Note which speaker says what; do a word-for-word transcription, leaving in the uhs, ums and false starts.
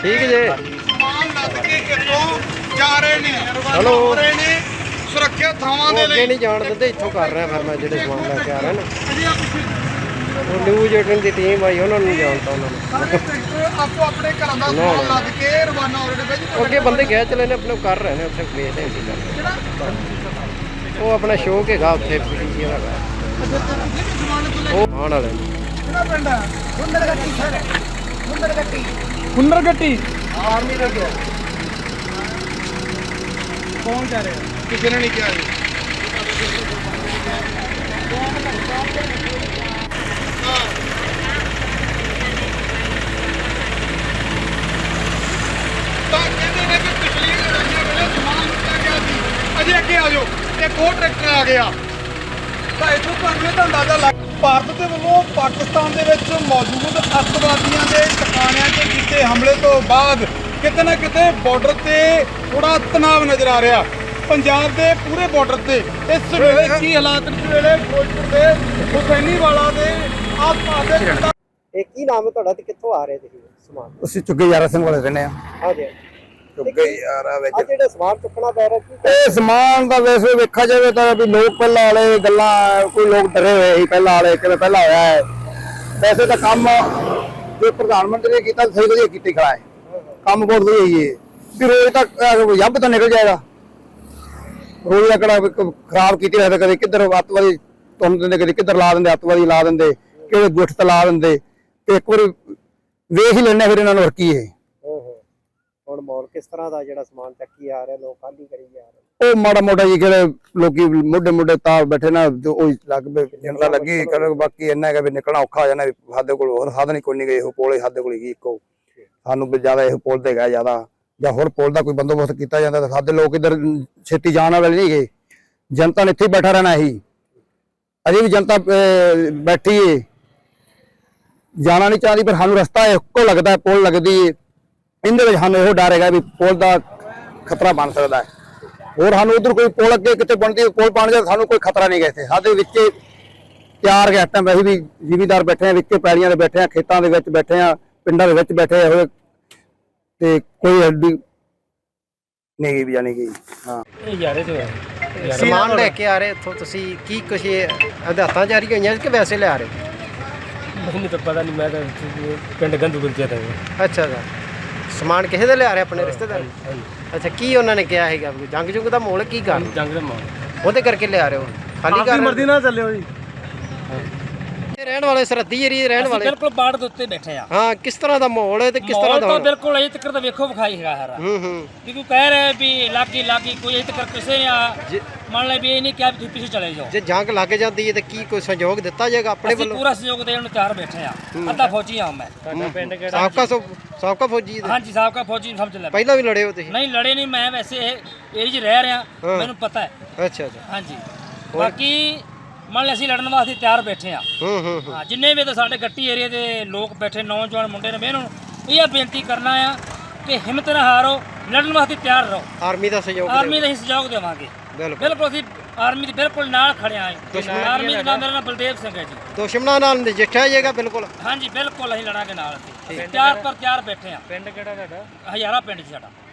Speaker 1: ਠੀਕ ਜੇ
Speaker 2: ਸਮਾਨ ਲੱਦ ਕੇ ਇੱਥੋਂ ਜਾ ਰਹੇ ਨੇ, ਰਵਾਨਾ
Speaker 1: ਹੈਲੋ।
Speaker 2: ਹੋ ਰਹੇ ਨੇ ਸੁਰੱਖਿਅਤ ਥਾਵਾਂ
Speaker 1: ਉਹ
Speaker 2: ਦੇ
Speaker 1: ਅੱਗੇ
Speaker 2: ਲਈ।
Speaker 1: ਨਹੀਂ ਜਾਣ ਦਿੰਦੇ, ਇੱਥੋਂ ਕਰ ਰਿਹਾ ਫਿਰ ਮੈਂ ਜਿਹੜੇ ਸਮਾਨ ਲੈ ਕੇ ਆ ਰਿਹਾ ਨਾ।
Speaker 2: ਅਜੇ ਆਪ ਪਿੱਛੇ
Speaker 1: ਉਹ ਨਿਊਜ਼ ਏਟੀਨ ਦੀ ਟੀਮ ਆਈ, ਉਹਨਾਂ ਨੂੰ ਨਹੀਂ ਜਾਣਦਾ ਉਹਨਾਂ ਨੂੰ।
Speaker 2: ਸਾਰੇ ਟਰੈਕਟਰ ਆਪੋ ਆਪਣੇ ਘਰਾਂ ਦਾ ਸਮਾਨ ਲੱਦ ਕੇ ਰਵਾਨਾ ਹੋ ਰਹੇ ਨੇ ਬਾਈ।
Speaker 1: ਅੱਗੇ ਬੰਦੇ ਗਏ ਚਲੇ ਨੇ, ਆਪਣੇ ਕਰ ਰਹੇ ਨੇ ਉੱਥੇ ਵੇਚਦੇ ਨੇ ਕੀ ਕਰਦੇ। ਉਹ ਆਪਣਾ ਸ਼ੌਕ ਹੈਗਾ ਉੱਥੇ ਪੀਜੀ ਦਾ ਉਹ ਆਉਣ ਵਾਲੇ ਨੇ।
Speaker 2: ਕਿਹੜਾ ਪਿੰਡ ਹੈ? ਹੁੰਦਰ ਗੱਟੀ ਸਰ, ਹੁੰਦਰ ਗੱਟੀ, ਹੁੰਦਰ ਗੱਟੀ ਆਰਮੀ ਦਾ ਗਿਆ। ਕੌਣ ਕਹਿ ਰਿਹਾ? ਕਿਸੇ ਨੇ ਨਹੀਂ ਕਿਹਾ ਜੀ। ਤਾਂ ਕਹਿੰਦੇ ਨੇ ਕਿ ਪਿਛਲੀ ਲੜਾਈਆਂ ਵੇਲੇ ਸਮਾਨ ਲੁੱਟਿਆ ਗਿਆ ਸੀ। ਅਜੇ ਅੱਗੇ ਆ ਜਾਓ, ਇੱਕ ਹੋਰ ਟਰੈਕਟਰ ਆ ਗਿਆ। ਤਾਂ ਇੱਥੋਂ ਤੁਹਾਨੂੰ ਇਹਦਾ ਅੰਦਾਜ਼ਾ ਲੱਗ ਭਾਰਤ ਦੇ ਵੱਲੋਂ ਪਾਕਿਸਤਾਨ ਦੇ ਵਿੱਚ ਮੌਜੂਦ ਅੱਤਵਾਦੀਆਂ ਦੇ ਟਿਕਾਣਿਆਂ 'ਤੇ ਕੀਤੇ ਹਮਲੇ ਤੋਂ ਬਾਅਦ ਕਿਤੇ ਨਾ ਕਿਤੇ ਬਾਰਡਰ ਤੇ ਥੋੜਾ ਤਣਾਅ ਨਜ਼ਰ ਆ ਰਿਹਾ। ਪੰਜਾਬ ਦੇ ਪੂਰੇ ਬਾਰਡਰ ਤੇ ਇਸ ਵੇਲੇ ਕੀ ਹਾਲਾਤ ਇਸ ਵੇਲੇ ਫਿਰੋਜ਼ਪੁਰ ਦੇ ਹੁਸੈਨੀਵਾਲਾ ਦੇ ਆਸ-ਪਾਸ ਦੇ ਪਿੰਡਾਂ।
Speaker 1: ਇਹ ਕੀ ਨਾਮ ਹੈ ਤੁਹਾਡਾ ਤੇ ਕਿੱਥੋਂ ਆ ਰਹੇ ਤੁਸੀਂ ਸਮਾਨ?
Speaker 3: ਅਸੀਂ ਚੁੱਗੇ ਯਾਰਾ ਸਿੰਘ ਵਾਲੇ ਰਹਿੰਦੇ ਆ।
Speaker 1: ਹਾਂਜੀ
Speaker 3: ਚੁੱਗੇ ਯਾਰਾ ਵਿੱਚ
Speaker 1: ਆ ਜਿਹੜਾ ਸਮਾਨ ਚੁੱਕਣਾ ਪੈ ਰਿਹਾ ਕੀ
Speaker 3: ਇਹ ਸਮਾਨ ਦਾ ਵੈਸੇ ਵੇਖਿਆ ਜਾਵੇ ਤਾਂ ਵੀ ਲੋਕ ਪਹਿਲਾਂ ਵਾਲੇ ਗੱਲਾਂ, ਕੋਈ ਲੋਕ ਡਰੇ ਹੋਏ ਸੀ ਪਹਿਲਾਂ ਵਾਲੇ, ਕਿਵੇਂ ਪਹਿਲਾਂ ਹੋਇਆ ਹੈ। ਵੈਸੇ ਤਾਂ ਕੰਮ ਜੋ ਪ੍ਰਧਾਨ ਮੰਤਰੀ ਨੇ ਕੀਤਾ ਸਹੀ ਵਧੀਆ ਕੀਤੀ ਖੜਾ ਹੈ, ਕੰਮ ਬਹੁਤ ਵਧੀਆ ਹੀ ਹੈ ਵੀ ਰੋਜ਼ ਤੱਕ ਯੱਬ ਤਾਂ ਨਿਕਲ ਜਾਏਗਾ। ਰੋਜ਼ ਦਾ ਕਿਹੜਾ ਖਰਾਬ ਕੀਤੀ ਹੋਇਆ, ਕਦੇ ਕਿੱਧਰ ਅੱਤਵਾਦੀ ਤੁੰਨ ਦਿੰਦੇ, ਕਦੇ ਕਿੱਧਰ ਲਾ ਦਿੰਦੇ, ਅੱਤਵਾਦੀ ਲਾ ਦਿੰਦੇ, ਕਿਹੜੇ ਗੁੱਠ ਤੇ ਲਾ ਦਿੰਦੇ। ਤੇ ਇੱਕ ਵਾਰੀ ਵੇਖ ਹੀ ਲੈਣੇ ਫਿਰ ਇਹਨਾਂ ਨੂੰ ਹੋਰ ਕੀ ਹੈ।
Speaker 1: ਹੁਣ ਮਾਹੌਲ ਕਿਸ ਤਰ੍ਹਾਂ ਦਾ ਜਿਹੜਾ ਸਮਾਨ ਚੱਕੀ ਆ ਰਿਹਾ, ਲੋਕ ਖਾਲੀ ਕਰੀ ਜਾ ਰਹੇ?
Speaker 3: ਉਹ ਮਾੜਾ ਮੋਟਾ ਜੀ ਕਿਹੜੇ ਲੋਕੀ ਮੋਢੇ ਮੋਢੇ ਤਾਲ ਬੈਠੇ ਨਾ, ਉਹ ਲੱਗ ਪਏ ਜਨਤਾ ਲੱਗੀ ਕਰ। ਬਾਕੀ ਇੰਨਾ ਹੈਗਾ ਵੀ ਨਿਕਲਣਾ ਔਖਾ ਹੋ ਜਾਣਾ। ਸਾਡੇ ਕੋਲ ਹੋਰ ਸਾਧਨ ਹੀ ਕੋਈ ਨਹੀਂ ਗਏ, ਉਹ ਪੋਲੇ ਸਾਡੇ ਕੋਲ ਹੀ ਇੱਕੋ। ਸਾਨੂੰ ਵੀ ਜ਼ਿਆਦਾ ਇਹ ਪੁਲ ਤੇ ਗਿਆ ਜ਼ਿਆਦਾ, ਜਾਂ ਹੋਰ ਪੁਲ ਦਾ ਕੋਈ ਬੰਦੋਬਸਤ ਕੀਤਾ ਜਾਂਦਾ ਤਾਂ ਸਾਡੇ ਲੋਕ ਇੱਧਰ ਛੇਤੀ ਜਾਣ ਵਾਲੇ ਨਹੀਂ ਗਏ। ਜਨਤਾ ਨੇ ਇੱਥੇ ਹੀ ਬੈਠਾ ਰਹਿਣਾ ਹੀ, ਅਜੇ ਵੀ ਜਨਤਾ ਬੈਠੀ ਹੈ, ਜਾਣਾ ਨਹੀਂ ਚਾਹਦੀ। ਪਰ ਸਾਨੂੰ ਰਸਤਾ ਇੱਕੋ ਲੱਗਦਾ, ਪੁਲ ਲੱਗਦੀ ਹੈ। ਇਹਦੇ ਵਿੱਚ ਸਾਨੂੰ ਇਹੋ ਡਰ ਹੈਗਾ ਵੀ ਪੁਲ ਦਾ ਖਤਰਾ ਬਣ ਸਕਦਾ ਹੈ। ਹੋਰ ਸਾਨੂੰ ਉਧਰ ਕੋਈ ਪੁਲ ਅੱਗੇ ਕਿਤੇ ਬਣਦੀ ਪੁਲ ਬਣ ਜਾਏ ਸਾਨੂੰ ਕੋਈ ਖਤਰਾ ਨਹੀਂ ਗਾ। ਇੱਥੇ ਸਾਡੇ ਵਿੱਚ ਚਾਰ ਗੈਸਟਾਂ ਵੈਸੇ ਵੀ ਜ਼ਿਮੀਦਾਰ ਬੈਠੇ ਆ, ਵਿੱਚ ਪੈੜੀਆਂ ਦੇ ਬੈਠੇ ਆ, ਖੇਤਾਂ ਦੇ ਵਿੱਚ ਬੈਠੇ ਆ, ਪਿੰਡਾਂ ਦੇ ਵਿੱਚ ਬੈਠੇ ਹੋਏ ਤੇ ਕੋਈ ਹੱਡੀ ਨਹੀਂ ਗਈ ਵੀ ਜਾਣੀ ਗਈ। ਹਾਂ
Speaker 4: ਇਹ ਯਾਰੇ ਤੋਂ
Speaker 1: ਸਮਾਨ ਲੈ ਕੇ ਆ ਰਹੇ ਇੱਥੋਂ ਤੁਸੀਂ, ਕੀ ਕੁਛ ਹਦਾਇਤਾਂ ਜਾਰੀ ਹੋਈਆਂ ਕਿ ਵੈਸੇ ਲਿਆ ਰਹੇ?
Speaker 4: ਮੈਨੂੰ ਤਾਂ ਪਤਾ ਨਹੀਂ, ਮੈਂ ਤਾਂ ਪਿੰਡ ਗੰਦੂਪੁਰ ਚ ਤਾਂ।
Speaker 1: ਅੱਛਾ ਸਰ, ਸਮਾਨ ਕਿਸੇ ਦੇ ਲਿਆ ਰਹੇ ਆਪਣੇ ਰਿਸ਼ਤੇਦਾਰ? ਅੱਛਾ, ਕੀ ਉਹਨਾਂ ਨੇ ਕਿਹਾ ਹੈਗਾ? ਜੰਗ ਜੁੰਗ ਦਾ ਮਾਹੌਲ ਕੀ ਕਰ
Speaker 4: ਜੰਗ ਦਾ ਮਾਹੌਲ
Speaker 1: ਉਹਦੇ ਕਰਕੇ ਲਿਆ ਰਹੇ ਹੋ? ਖਾਲੀ ਕਰ
Speaker 4: ਮਰਜ਼ੀ ਨਾਲ ਚੱਲਿਓ ਜੀ।
Speaker 1: ਰਹਿਣ ਵਾਲੇ ਸਰਹੱਦੀ ਏਰੀਏ ਰਹਿਣ ਵਾਲੇ
Speaker 4: ਬਿਲਕੁਲ ਬਾੜ ਦੇ ਉੱਤੇ ਬੈਠੇ ਆ।
Speaker 1: ਹਾਂ, ਕਿਸ ਤਰ੍ਹਾਂ ਦਾ ਮਾਹੌਲ ਹੈ ਤੇ ਕਿਸ ਤਰ੍ਹਾਂ ਦਾ?
Speaker 4: ਬਿਲਕੁਲ ਅਜੇ ਤੱਕ ਤਾਂ ਵੇਖੋ ਵਿਖਾਈ ਹੈਗਾ ਹਰਾ।
Speaker 1: ਹੂੰ ਹੂੰ
Speaker 4: ਵੀ ਕੋਈ ਕਹਿ ਰਿਹਾ ਵੀ ਲਾਗੀ ਲਾਗੀ, ਕੋਈ ਅਜੇ ਤੱਕ ਕਿਸੇ ਨੇ ਆ ਮੰਨ ਲੈ ਵੀ ਇਹ ਨਹੀਂ ਕਿਹਾ ਵੀ ਤੁਸੀਂ ਪਿੱਛੇ ਚਲੇ ਜਾਓ।
Speaker 1: ਜੇ ਜੰਗ ਲੱਗ ਜਾਂਦੀ ਹੈ ਤੇ ਕੀ ਕੋਈ ਸਹਿਯੋਗ ਦਿੱਤਾ ਜਾਏਗਾ ਆਪਣੇ
Speaker 4: ਅਸੀਂ
Speaker 1: ਵੱਲੋਂ?
Speaker 4: ਪੂਰਾ ਸਹਿਯੋਗ ਦੇਣ ਨੂੰ ਤਿਆਰ ਬੈਠੇ ਆ। ਅੱਧਾ ਫੌਜੀ ਆ ਮੈਂ।
Speaker 1: ਤੁਹਾਡਾ ਪਿੰਡ ਕਿਹੜਾ? ਸਾਬਕਾ ਸਾਬਕਾ ਫੌਜੀ?
Speaker 4: ਹਾਂਜੀ, ਸਾਬਕਾ ਫੌਜੀ ਨੂੰ ਸਮਝ ਲੈ।
Speaker 1: ਪਹਿਲਾਂ ਵੀ ਲੜੇ ਹੋ ਤੁਸੀਂ?
Speaker 4: ਨਹੀਂ ਲੜੇ ਨਹੀਂ, ਮੈਂ ਵੈਸੇ ਇਹ ਏਰੀਏ 'ਚ ਰਹਿ ਰਿਹਾ, ਮੈਨੂੰ ਪਤਾ ਹੈ।
Speaker 1: ਅੱਛਾ ਅੱਛਾ।
Speaker 4: ਹਾਂਜੀ, ਬਾਕੀ ਮੰਨ ਲੈ ਅਸੀਂ ਲੜਨ ਵਾਸਤੇ ਤਿਆਰ ਬੈਠੇ ਆ।
Speaker 1: ਹੂੰ ਹੂੰ
Speaker 4: ਹਾਂ, ਜਿੰਨੇ ਵੀ ਤਾਂ ਸਾਡੇ ਗੱਟੀ ਏਰੀਏ ਦੇ ਲੋਕ ਬੈਠੇ, ਨੌਜਵਾਨ ਮੁੰਡੇ ਨੇ, ਮੈਨੂੰ ਇਹ ਬੇਨਤੀ ਕਰਨਾ ਆ ਕਿ ਹਿੰਮਤ ਨਾ ਹਾਰੋ, ਲੜਨ ਵਾਸਤੇ ਤਿਆਰ ਰਹੋ।
Speaker 1: ਆਰਮੀ ਦਾ ਸਹਿਯੋਗ?
Speaker 4: ਆਰਮੀ ਦਾ ਹੀ ਸਹਿਯੋਗ ਦੇਵਾਂਗੇ ਬਿਲਕੁਲ। ਅਸੀਂ ਆਰਮੀ ਦੇ ਬਿਲਕੁਲ ਨਾਲ ਖੜੇ ਆਂ। ਆਰਮੀ ਦਾ ਨਾਮ, ਮੇਰਾ ਨਾਮ ਬਲਦੇਵ ਸਿੰਘ ਹੈ ਜੀ।
Speaker 1: ਦੁਸ਼ਮਣਾਂ ਨਾਲ ਨਜਿੱਠਿਆ ਜਾਏਗਾ ਬਿਲਕੁਲ?
Speaker 4: ਹਾਂਜੀ ਬਿਲਕੁਲ, ਅਸੀਂ ਲੜਾਂਗੇ ਨਾਲ। ਅਸੀਂ ਤਿਆਰ ਪਰ ਤਿਆਰ ਬੈਠੇ ਆ।
Speaker 1: ਪਿੰਡ ਕਿਹੜਾ ਤੁਹਾਡਾ?
Speaker 4: ਹਜ਼ਾਰਾ ਪਿੰਡ 'ਚ ਸਾਡਾ।